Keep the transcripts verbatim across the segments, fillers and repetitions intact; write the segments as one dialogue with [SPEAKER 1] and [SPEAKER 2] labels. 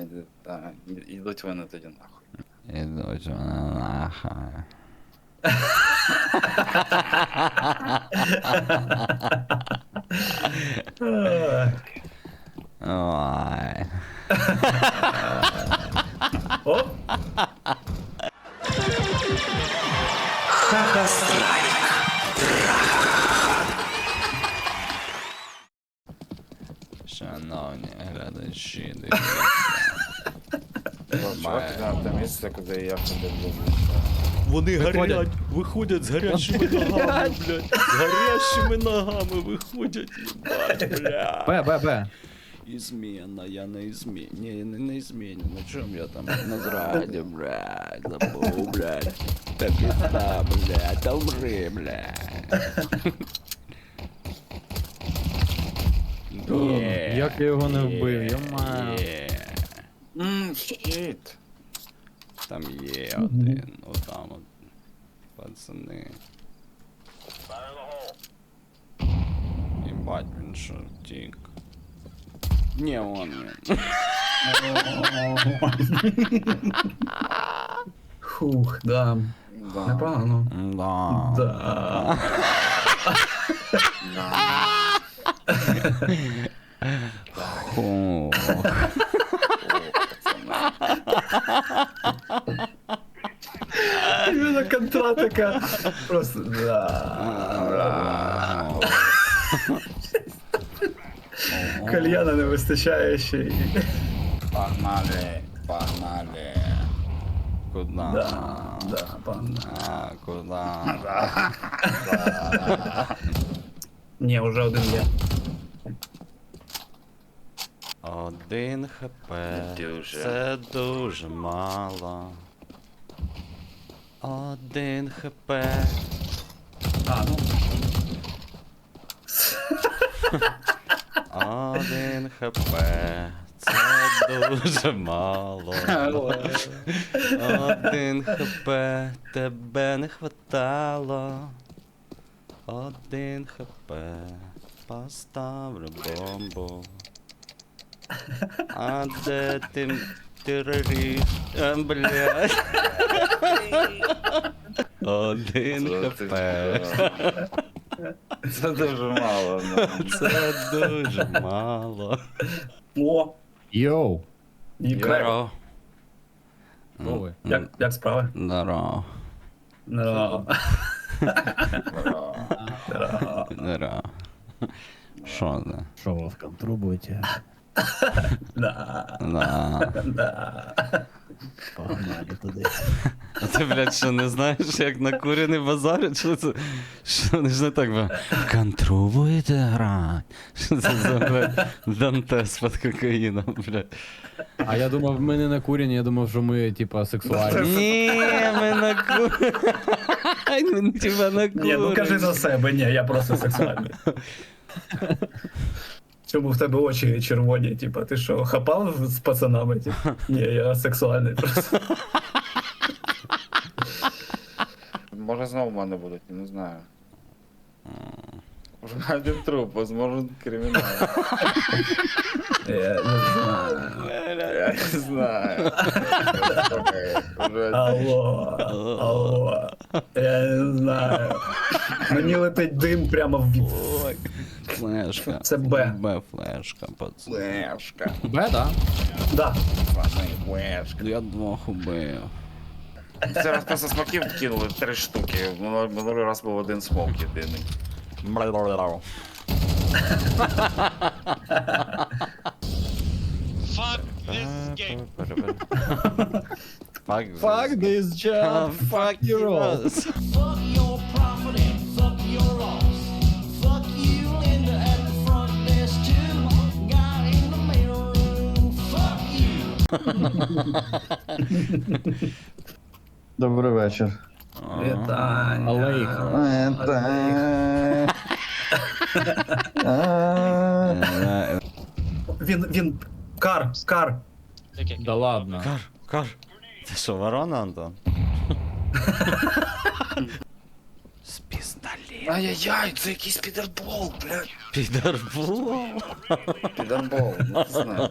[SPEAKER 1] та, ідуть вони тоді нахуй.
[SPEAKER 2] Ідуть вони нахуй. Ой.
[SPEAKER 3] Оп!
[SPEAKER 2] Шановні глядачі,
[SPEAKER 1] Чувак, там те місце, куди я ходив, блядь.
[SPEAKER 4] Вони горять, виходять з гарячими ногами, блядь. З гарячими ногами виходять, їбать, блядь.
[SPEAKER 5] Б, Б, Б.
[SPEAKER 2] Ізміна, я не ізмін. Ні, я не, не ізміню. На чому я там на зраді, блядь, забув, блядь. Та пізда, блядь, та умри, блядь. Є,
[SPEAKER 5] Як я його не вбив,
[SPEAKER 2] є,
[SPEAKER 5] йома.
[SPEAKER 2] є.
[SPEAKER 1] Ммм, щит.
[SPEAKER 2] Там є один, отам от, пацани. Єбать, він що, втік. Не, он він.
[SPEAKER 3] Хух, да.
[SPEAKER 1] Да.
[SPEAKER 3] Непогано.
[SPEAKER 2] Да.
[SPEAKER 3] Да.
[SPEAKER 2] Фу.
[SPEAKER 3] Іменно контра така. Просто, да. Кальяна не вистачає ще й.
[SPEAKER 1] Погнали, погнали.
[SPEAKER 2] Куда?
[SPEAKER 3] Да, да, пан.
[SPEAKER 2] А, куда?
[SPEAKER 3] Ні, уже один є.
[SPEAKER 2] Один хп.
[SPEAKER 1] Дуже.
[SPEAKER 2] Це дуже мало. Один хп.
[SPEAKER 3] А, ну.
[SPEAKER 2] Один хп. Це дуже мало. Один хп. Тебе не хватало. Один хп. Поставлю бомбу. А де ти терорист? А, блядь. Один хп.
[SPEAKER 1] Це дуже мало, ну.
[SPEAKER 2] Це дуже мало.
[SPEAKER 3] О,
[SPEAKER 5] Йоу.
[SPEAKER 3] і крек.
[SPEAKER 2] Здорово.
[SPEAKER 5] Хто ви?
[SPEAKER 3] Як, як справи?
[SPEAKER 2] Здорово.
[SPEAKER 3] Ну,
[SPEAKER 2] Здорово. Що це?
[SPEAKER 6] Що ви в контру будете?
[SPEAKER 3] да,
[SPEAKER 2] Да.
[SPEAKER 3] да.
[SPEAKER 6] Погнали туди.
[SPEAKER 2] А ти, блядь, що не знаєш, як на курені базарять? Що це? Що вони ж не так би? Контру будете грати? Що це за, блядь, Дантес під кокаїном, блядь?
[SPEAKER 5] А я думав, ми не накурені, я думав, що ми, типа, сексуальні.
[SPEAKER 2] Ні, ми на курені. Ми тебе на курені.
[SPEAKER 3] Ні, ну кажи за себе, ні, я просто сексуальний. Чому в тебе очі червоні, типа, ти що, хапав з пацанами? Типа? Ні, я сексуальний просто.
[SPEAKER 1] Може знову в мене будуть, я не знаю. Може один труп, возможно кримінал.
[SPEAKER 3] Я не знаю.
[SPEAKER 1] Я не знаю. Уже
[SPEAKER 3] Алло, алло. Я не знаю. Мені летить дим прямо в
[SPEAKER 2] Ой, флешка.
[SPEAKER 3] Це Б.
[SPEAKER 2] Б флешка, пацан.
[SPEAKER 1] флешка.
[SPEAKER 5] Б, да?
[SPEAKER 3] Да.
[SPEAKER 1] Пацани, флешка.
[SPEAKER 2] Я двох убив.
[SPEAKER 1] Зараз просто смоків кинули три штуки. Минулий минулий раз був один смок єдиний.
[SPEAKER 7] Fuck this game.
[SPEAKER 2] Fuck
[SPEAKER 5] Fuck this job, fuck you all.
[SPEAKER 8] Fuck your property, fuck your loss. Fuck you, Linda, at the front desk too. Guy in the mail room, fuck you.
[SPEAKER 9] Добрий вечір.
[SPEAKER 3] Вітання.
[SPEAKER 5] Алейх.
[SPEAKER 3] Він, він, кар, кар.
[SPEAKER 7] Таке.
[SPEAKER 5] Да ладно.
[SPEAKER 2] Кар, кар. Ти що, ворона, Антон? З пістолетом.
[SPEAKER 1] Ай-яй-яй, це якийсь підербол, блядь.
[SPEAKER 2] Підарбул.
[SPEAKER 1] Підербол, ну не знаю.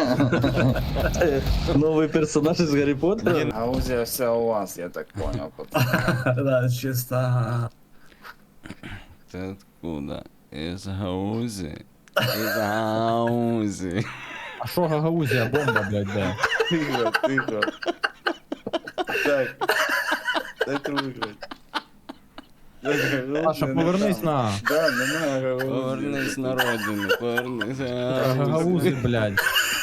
[SPEAKER 6] Новий персонаж із Гаррі Поттера?
[SPEAKER 1] Гаузія вся у вас, я так понял.
[SPEAKER 3] Да, чисто.
[SPEAKER 2] Ти откуда? Із Гаузі. Із Гаузі.
[SPEAKER 5] А що Гагаузія, бомба, блядь, де?
[SPEAKER 1] Тихо, тихо. Так. Дайте виграти.
[SPEAKER 5] Паша, повернись на.
[SPEAKER 1] Да, немає Гаузії.
[SPEAKER 2] Повернись на родину, повернись на
[SPEAKER 5] Гагаузи, блядь.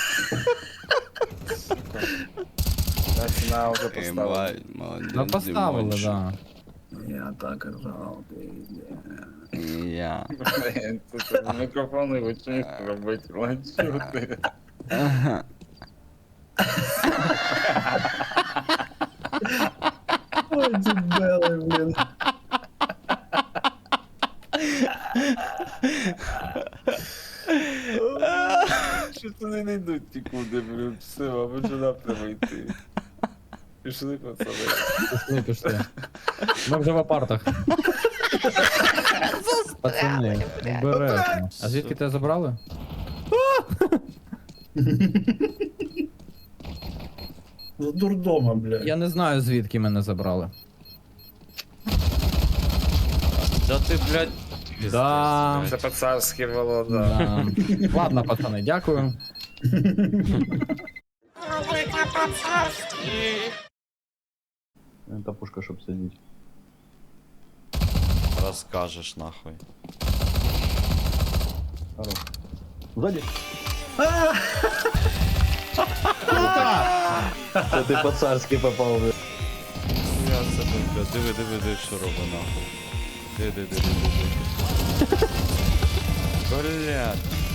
[SPEAKER 1] Так, ціна вже поставила.
[SPEAKER 2] Ебать, молодець.
[SPEAKER 5] Ну поставили,
[SPEAKER 2] Дімончик.
[SPEAKER 5] да.
[SPEAKER 3] Я так казав, пизде.
[SPEAKER 2] І я.
[SPEAKER 1] Блін, тут мікрофон і вичинку робити, ланчути.
[SPEAKER 2] Ага.
[SPEAKER 3] Ой, дебели, блін.
[SPEAKER 1] Що вони не йдуть нікуди, блін, все, або сюди треба йти. Пішли, пацани.
[SPEAKER 5] Пішли, пішли. Ми вже в апартах. Пацани, обережно. А звідки тебе забрали?
[SPEAKER 3] З дурдома, блядь.
[SPEAKER 5] Я не знаю, звідки мене забрали.
[SPEAKER 2] Да ти, блядь.
[SPEAKER 5] Да.
[SPEAKER 1] Це по-царськи було, да.
[SPEAKER 5] Да. Ладно, пацани, дякую.
[SPEAKER 6] Та пушка, щоб сидіти.
[SPEAKER 2] Розкажеш нахуй.
[SPEAKER 6] Хорош. Ззаді. Це ти по-царськи попав, блядь.
[SPEAKER 2] Я себе, бля, диви, диви, диви, що робить нахуй. Диви, диви, диви, диви. Блядь.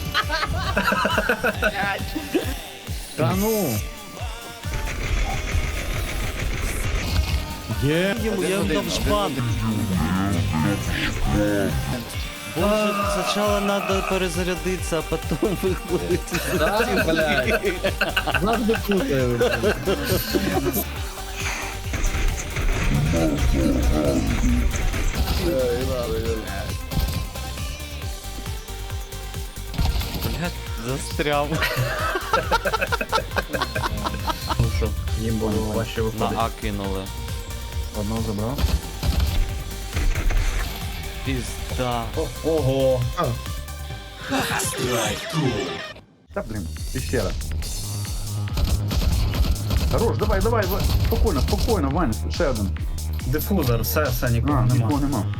[SPEAKER 5] Та ну. Є.
[SPEAKER 2] Я йому дав жбан. Боже, спочатку надо перезарядитися, а потім виходити.
[SPEAKER 5] Да, блядь. Завжди путаю.
[SPEAKER 2] Блядь, застряв.
[SPEAKER 3] Ну що, їм було важче
[SPEAKER 2] На
[SPEAKER 3] виходить.
[SPEAKER 2] А кинули.
[SPEAKER 6] Одного забрав.
[SPEAKER 2] Пізда.
[SPEAKER 3] Ого.
[SPEAKER 6] Та, блін, пещера. Хорош, давай, давай, давай. Спокійно, спокійно, Ваня, ще один.
[SPEAKER 3] Дифузор, все, все, нікого
[SPEAKER 6] А, нікого
[SPEAKER 3] нема.
[SPEAKER 6] нема.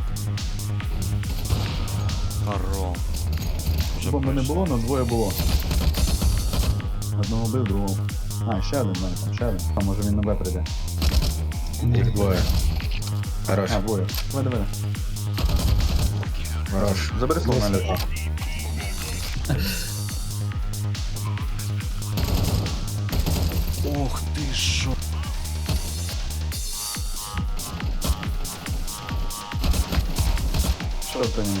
[SPEAKER 2] Хоро. Вже
[SPEAKER 6] Бомби не
[SPEAKER 2] пройшло.
[SPEAKER 6] було, але двоє було. Одного бив, другого. А, ще один, Ваня, там ще один. Там може він на Б прийде.
[SPEAKER 3] Їх двоє. Хорош.
[SPEAKER 6] А, двоє. Давай, давай.
[SPEAKER 3] Хорош.
[SPEAKER 6] Забери слово на льоту.
[SPEAKER 2] Ох ти шо.
[SPEAKER 6] Що ти не?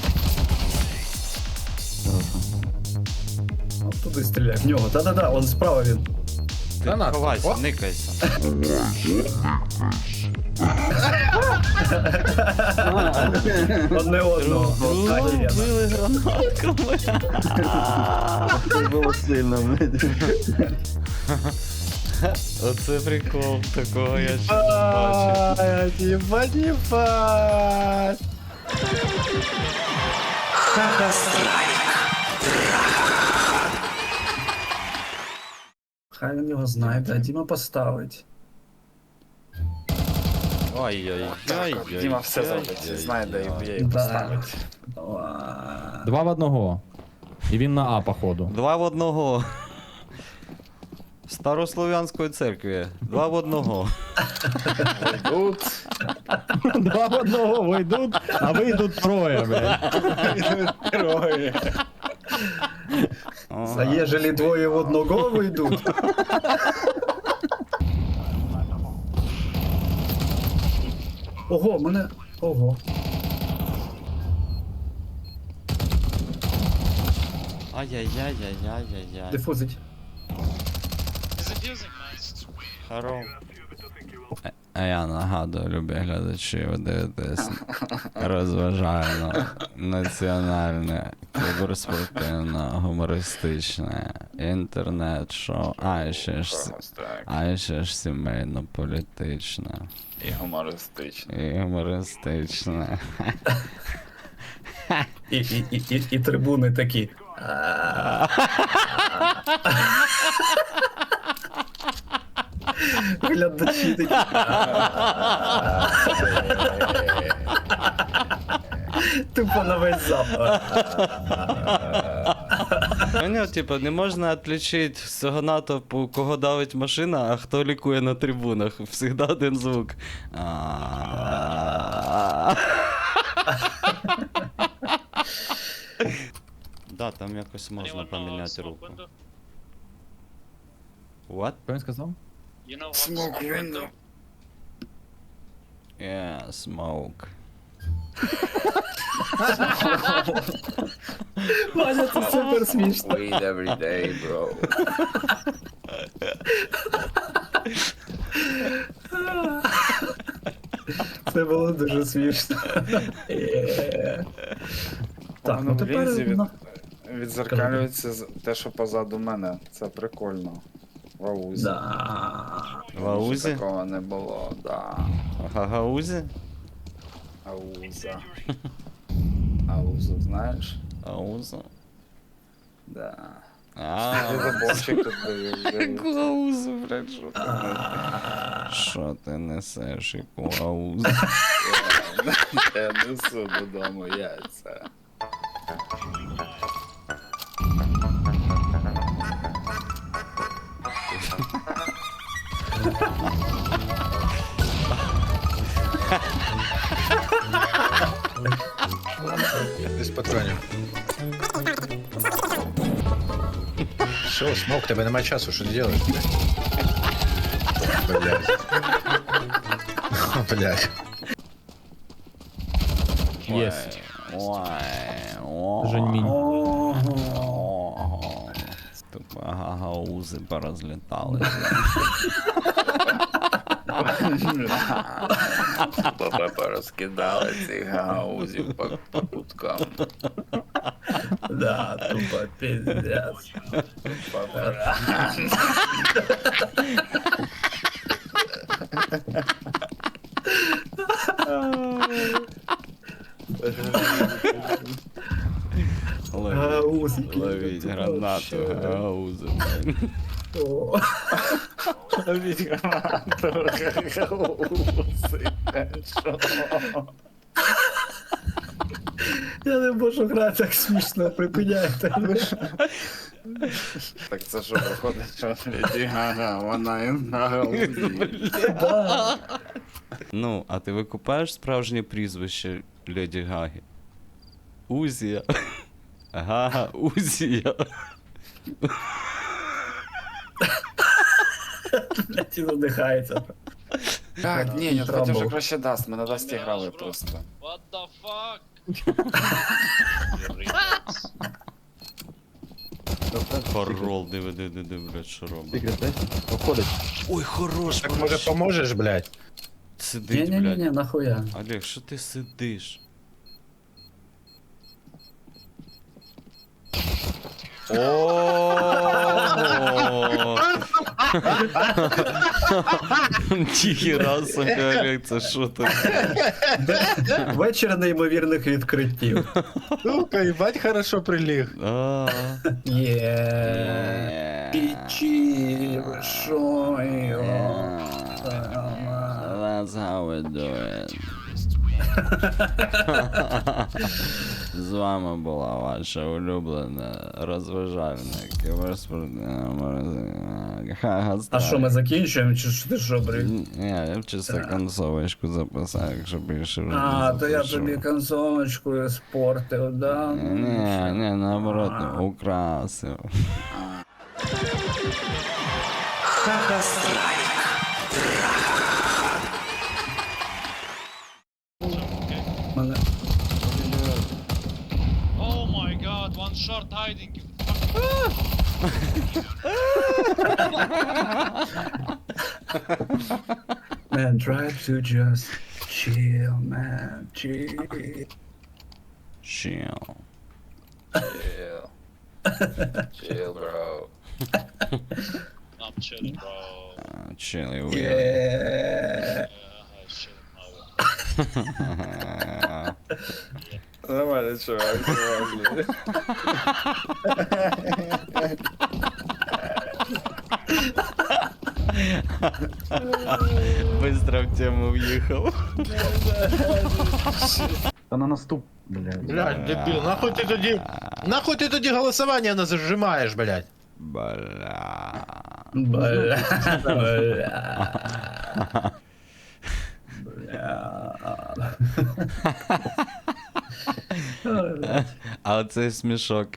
[SPEAKER 3] От туди стріляй, в нього. Та-да-да, он справа він.
[SPEAKER 2] Ти
[SPEAKER 5] на,
[SPEAKER 2] ховайся,
[SPEAKER 5] о.
[SPEAKER 2] никайся.
[SPEAKER 3] Одне одного. От так і є.
[SPEAKER 2] Били гранатками.
[SPEAKER 6] Це було сильно, блядь.
[SPEAKER 2] Оце прикол, такого я ще не бачив.
[SPEAKER 3] Єбать, єбать. Хай він його знайде, а Діма поставить.
[SPEAKER 2] Ай-яй-яй.
[SPEAKER 1] Діма все зробить, знає, де її
[SPEAKER 3] Да.
[SPEAKER 1] поставить.
[SPEAKER 3] Ла.
[SPEAKER 5] Два в одного. І він на А, походу.
[SPEAKER 2] Два в одного. Старослов'янської церкви. Два в одного.
[SPEAKER 1] Тут
[SPEAKER 5] Два в одного вийдуть, а вийдуть троє, блядь.
[SPEAKER 1] троє.
[SPEAKER 3] А ежели двоє в одного вийдуть. Ого, мене. Ого.
[SPEAKER 2] Ай-яй-яй-яй-яй-яй-яй.
[SPEAKER 3] Дифузить.
[SPEAKER 7] He's abusing, nice.
[SPEAKER 2] Хоро. А я нагадую, любі глядачі, ви дивитесь розважальне, національне, кіберспортивне, гумористичне, інтернет-шоу, а ще ж, с-
[SPEAKER 1] Ось так.
[SPEAKER 2] а ще ж сімейно-політичне
[SPEAKER 1] І гумористично.
[SPEAKER 2] і гумористичне.
[SPEAKER 3] І, і, і, і, і трибуни такі. Глядачі такі. Тупо на весь запад.
[SPEAKER 2] Поняв, типа, не можна відлічити з цього натовпу, кого давить машина, а хто лікує на трибунах. Всегда один звук. Да, там якось можна
[SPEAKER 7] Anyone know
[SPEAKER 2] поміняти
[SPEAKER 7] smoke
[SPEAKER 2] руку.
[SPEAKER 7] window?
[SPEAKER 2] What?
[SPEAKER 5] Що він сказав?
[SPEAKER 7] You know what smoke window?
[SPEAKER 2] Yeah, smoke.
[SPEAKER 3] Ваня, це супер смішно.
[SPEAKER 1] Weed every day, bro.
[SPEAKER 3] Це було дуже смішно. Є. Так, ну тепер.
[SPEAKER 1] від,
[SPEAKER 3] на-
[SPEAKER 1] відзеркалюється з- те, що позаду мене. Це прикольно. В аузі.
[SPEAKER 3] Да.
[SPEAKER 2] В аузі?
[SPEAKER 1] Такого не було, да.
[SPEAKER 2] Гагаузі?
[SPEAKER 1] Ауза. Аузу, знаєш?
[SPEAKER 2] Ауза?
[SPEAKER 1] Да.
[SPEAKER 2] А,
[SPEAKER 1] Ти заборчик тут дивив.
[SPEAKER 2] Аузу, блядь, що ти несеш? Що ти несеш, яку аузу?
[SPEAKER 1] Я несу додому яйця.
[SPEAKER 9] Без патронів. Все, смок, тебе нема часу, що ти робиш, блядь? Блядь. О, блядь.
[SPEAKER 5] Єсть.
[SPEAKER 2] Ой, ой.
[SPEAKER 5] Женьмінь.
[SPEAKER 2] Ого. Тупо гагаузи порозлітали.
[SPEAKER 1] Баба порозкидали цих гаузів по, по куткам.
[SPEAKER 3] Да, тупо пиздец.
[SPEAKER 2] Ловіть,
[SPEAKER 3] Гаузики.
[SPEAKER 2] ловіть гранату, гагаузи.
[SPEAKER 3] О.
[SPEAKER 1] Ловіть гранату, гаузи. Що?
[SPEAKER 3] Я не можу грати так смішно, припиняйте.
[SPEAKER 1] Так це що виходить, що Леді Гага, вона і на гаузі.
[SPEAKER 3] Да.
[SPEAKER 2] Ну, а ти викупаєш справжнє прізвище Леді Гаги? Узія. Гага Узія.
[SPEAKER 3] Блять, і задихається.
[SPEAKER 1] Так, ні, не
[SPEAKER 3] Трамбл.
[SPEAKER 1] хотів, що краще дасть, ми на дасті грали просто.
[SPEAKER 7] What the fuck?
[SPEAKER 2] Хорол, диви, диви, диви, диви, блядь, що робить.
[SPEAKER 5] Секрет, Обходить.
[SPEAKER 2] Ой, хорош,
[SPEAKER 9] Так може поможеш, блядь?
[SPEAKER 2] Сидить, блядь.
[SPEAKER 3] Ні-ні-ні, нахуя.
[SPEAKER 2] Олег, що ти сидиш? О! Ніхіра собі, Олег, це що таке?
[SPEAKER 3] Вечір неймовірних відкриттів.
[SPEAKER 9] Сука, їбать хорошо приліг.
[SPEAKER 2] А,
[SPEAKER 3] Є. Пічі, ви шо його?
[SPEAKER 2] That's how we do it. З вами була ваша улюблена розважальна кіберспортивна магазина.
[SPEAKER 3] А що, ми закінчуємо, чи що ти що, брик?
[SPEAKER 2] Ні, я б чисто концовочку записав, якщо більше вже
[SPEAKER 3] А,
[SPEAKER 2] не
[SPEAKER 3] то я
[SPEAKER 2] запишу.
[SPEAKER 3] тобі консолочку спортив, да?
[SPEAKER 2] Ні, ні, наоборот, украсив.
[SPEAKER 3] Мене...
[SPEAKER 7] Oh my god, one short hiding.
[SPEAKER 3] Man, try to just chill, man, chill.
[SPEAKER 2] Chill.
[SPEAKER 1] Chill. Chill, bro.
[SPEAKER 7] I'm chilling, bro.
[SPEAKER 2] Uh, chill, you
[SPEAKER 3] Yeah.
[SPEAKER 7] Yeah, I'm chilling, bro.
[SPEAKER 1] Нормально, чувак, нормально.
[SPEAKER 2] Быстро в тему въехал.
[SPEAKER 6] Та на наступ, блядь.
[SPEAKER 9] Блядь, дебил, нахуй ты тоді... Нахуй ти тоді голосування не зажимаєш, блядь?
[SPEAKER 2] Бля.
[SPEAKER 3] Бля, бля. Бля.
[SPEAKER 2] А оцей смішок.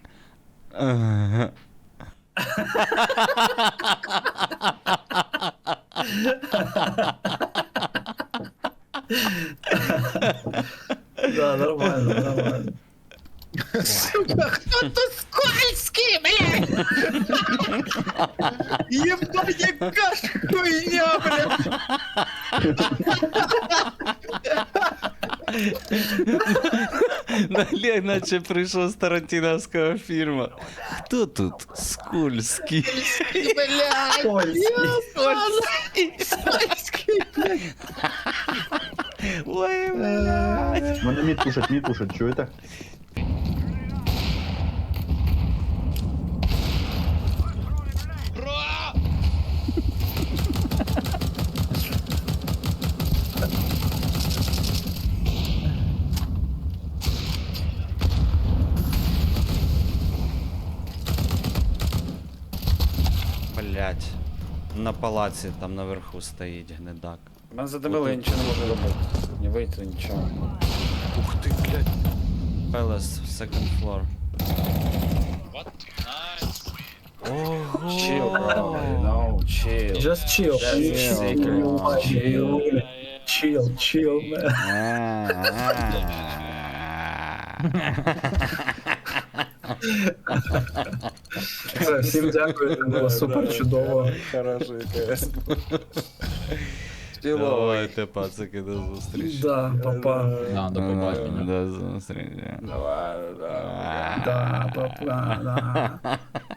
[SPEAKER 3] Да, нормально, нормально.
[SPEAKER 9] Сука, хто-то скользкий, блядь! Єбать, яка ж хуйня, блядь!
[SPEAKER 2] Далі, наче прийшов з тарантіновського фільму. Хто тут скользкий?
[SPEAKER 9] Блядь!
[SPEAKER 3] Скользкий.
[SPEAKER 9] Скользкий, блядь!
[SPEAKER 2] Ой, блядь.
[SPEAKER 6] Мене мід пушать, мід пушать, чуєте?
[SPEAKER 7] Bro!
[SPEAKER 2] Блядь. На палаці там наверху стоїть гнидак.
[SPEAKER 1] Мене задавили, я нічого не можу робити. Не вийти, нічого.
[SPEAKER 2] Ух ти, блядь. Palace, second floor.
[SPEAKER 7] What? Nice.
[SPEAKER 2] Ого.
[SPEAKER 1] Chill, bro. No, chill.
[SPEAKER 3] Just chill.
[SPEAKER 1] That's
[SPEAKER 3] Chill,
[SPEAKER 1] secret.
[SPEAKER 3] chill,
[SPEAKER 7] Yeah, yeah.
[SPEAKER 3] chill, chill, man. Все, всім дякую, це було супер чудово.
[SPEAKER 1] Хороший КС. Чиловий.
[SPEAKER 2] Давайте, пацики, до зустрічі.
[SPEAKER 3] Да, папа.
[SPEAKER 5] Да, до побачення.
[SPEAKER 2] До зустрічі.
[SPEAKER 1] Давай, давай.
[SPEAKER 3] Да, папа, да.